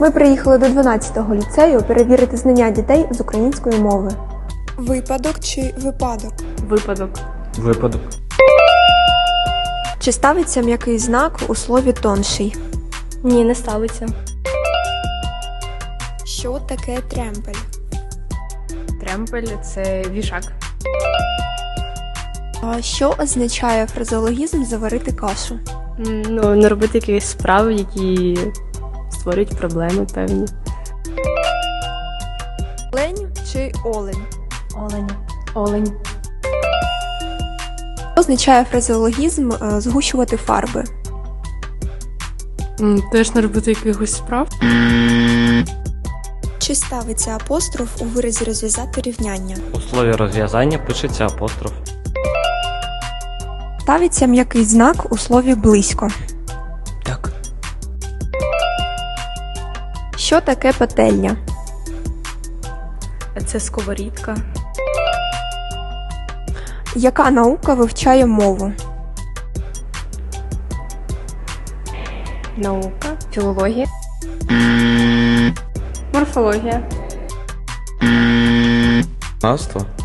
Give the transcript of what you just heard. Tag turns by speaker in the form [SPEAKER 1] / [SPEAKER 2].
[SPEAKER 1] Ми приїхали до 12-го ліцею перевірити знання дітей з української мови.
[SPEAKER 2] Випадок чи випадок?
[SPEAKER 3] Випадок.
[SPEAKER 4] Випадок.
[SPEAKER 1] Чи ставиться м'який знак у слові тонший?
[SPEAKER 3] Ні, не ставиться.
[SPEAKER 2] Що таке тремпель?
[SPEAKER 3] Тремпель – це вішак.
[SPEAKER 1] А що означає фразеологізм «заварити кашу»?
[SPEAKER 3] Ну, не робити якісь справи, які створюють проблеми певні.
[SPEAKER 1] Олень чи олень?
[SPEAKER 3] Олень. Олень.
[SPEAKER 1] Що означає фразеологізм «згущувати фарби»?
[SPEAKER 3] Теж не робити якихось справ.
[SPEAKER 2] Чи ставиться апостроф у виразі розв'язати рівняння?
[SPEAKER 4] У слові розв'язання пишеться апостроф.
[SPEAKER 1] Ставиться м'який знак у слові «близько».
[SPEAKER 4] Так.
[SPEAKER 1] Що таке пательня?
[SPEAKER 3] Це сковорідка.
[SPEAKER 1] Яка наука вивчає мову?
[SPEAKER 3] Наука. Філологія. Морфологія.
[SPEAKER 4] Наство.